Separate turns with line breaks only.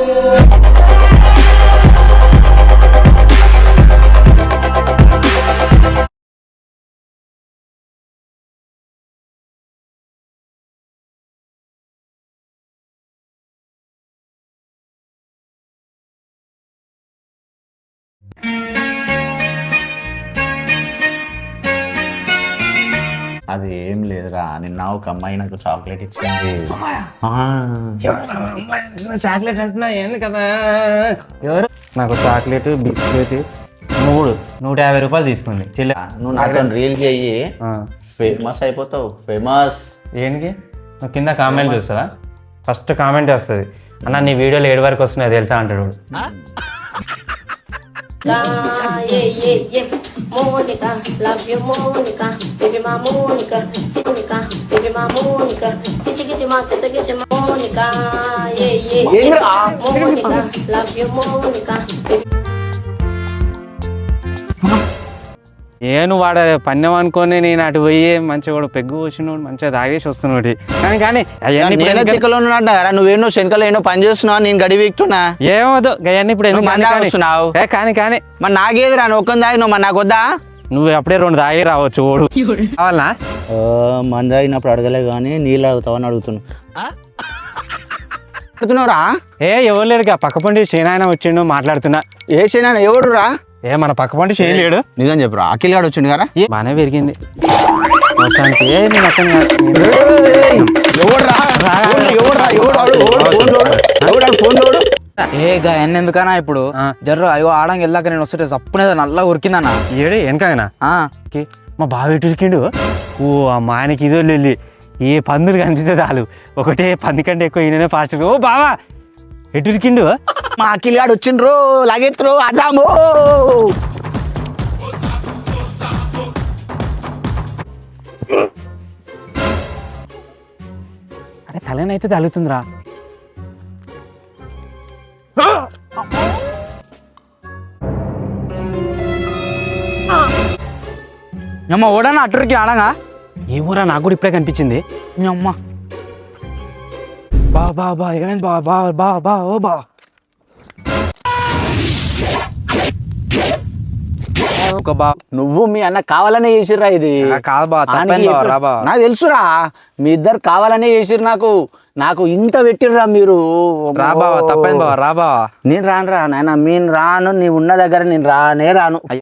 అది ఏం లేదురా, నిన్న ఒక అమ్మాయి నాకు చాక్లెట్ ఇచ్చింది.
చాక్లెట్ అంటున్నా ఏంది కదా, ఎవరు నాకు చాక్లెట్ బిస్కెట్ 150 రూపాయలు తీసుకుంది.
నువ్వు నాతో రీల్ చెయ్యి, ఫేమస్ అయిపోతావు. ఫేమస్
ఏంటి? నువ్వు కింద కామెంట్ చూస్తావా? ఫస్ట్ కామెంట్ వస్తుంది, అన్న నీ వీడియోలు 7 వరకు వస్తున్నాయి తెలుసా అంటాడు.
Monica, love you Monica, baby my Monica, Monica, baby my Monica, get your mouth, get your Monica, Monica, love you Monica, baby.
నేను వాడ పన్నెం అనుకోని నేను అటు పోయి మంచిగా కూడా పెగ్గు వచ్చినోడు మంచిగా తాగేసి వస్తున్నాడు. కానీ
నువ్వేనో శంకలో ఏనో పని చేస్తున్నావు, నేను గడి వీక్తున్నా.
ఏమవుదు గయన్ని ఇప్పుడు
వస్తున్నావు.
కానీ
మరి నాకేది రా, ఒక్కని తాగినావు, మరి నాకు వద్దా?
నువ్వు అప్పుడే 2 తాగి రావచ్చు. ఓడు కావాలనా?
మంది తాగినప్పుడు అడగలే కానీ నీళ్ళు తాగుతావని అడుగుతున్నావురా.
ఎవరు లేడు, పక్క పండి సేనాయన వచ్చిండు మాట్లాడుతున్నా.
ఏ సేనాయన? ఎవడు రా?
మన పక్క పండి చేయలేడు.
నిజం చెప్పురా, అఖిల్ గాడు వచ్చిండు కదా.
బానే పెరిగింది.
ఎందుకనా ఇప్పుడు జర్రు అయ్యో ఆడంగా వెళ్ళాక నేను వస్తుంటే చప్పునే నల్ల ఉరికిందన్నా.
ఏడు వెనకనా మా బావ ఎటు ఉరికిండు. ఓ మా ఆయనకి ఇదో వెళ్ళి ఏ పందులు కనిపిస్తే చాలు ఒకటే పంది కంటే ఎక్కువ ఈయననే ఫాస్ట్. ఓ బావా ఎటు ఉరికిండు?
మా అఖిల్ గాడు వచ్చిండ్రు, లాగెత్తురు అజాము.
అరే తలనైతే తగులుతుందిరా.
అమ్మ ఓడన్నా అట్టురికి ఆడంగా.
ఏమోరా నాకు కూడా ఇప్పుడే కనిపించింది.
అమ్మ బా బా బా ఏమైంది బా బా బా బా ఓ బా.
నువ్వు మీ అన్న కావాలనే చేసిర్రా ఇది?
కాదు బా,
నాకు తెలుసురా, మీ ఇద్దరు కావాలనే చేసిర్రు. నాకు ఇంత పెట్టిర్రా మీరు.
రాబా తప్పైంది బావా, రాబా.
నేను రాను రా నాయన, నేను రాను. నీ ఉన్న దగ్గర నేను రాను.